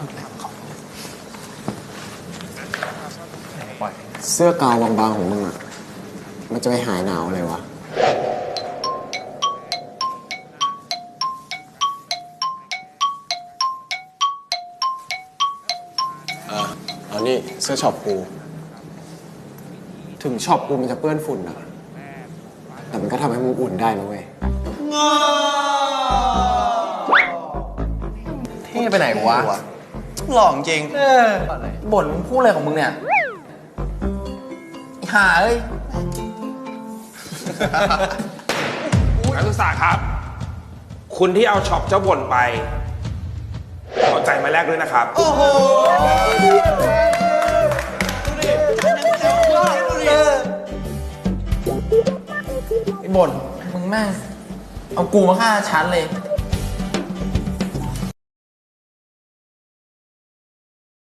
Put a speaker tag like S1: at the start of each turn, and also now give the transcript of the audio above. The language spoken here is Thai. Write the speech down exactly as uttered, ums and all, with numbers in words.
S1: เสื้อกาวบางๆของมึงอ่ะมันจะไปหายหนาวอะไรวะเออเอานี่เสื้อช็อปกูถึงช็อปกูมันจะเปื้อนฝุ่นอะแต่มันก็ทำให้มึงอุ่นได้นะเว้ย
S2: เท่ไปไหนวะหล่อจริงเออบ่นมึงพูดอะไรของมึงเนี่ยหาเอ้ย
S3: นักศึกษาครับ คุณที่เอาช็อปเจ้าบ่นไปขอใจมาแลกด้วยนะครับโอ้โห
S2: ไอ้บ่นมึงแม่งเอากูมาฆ่าฉันเลย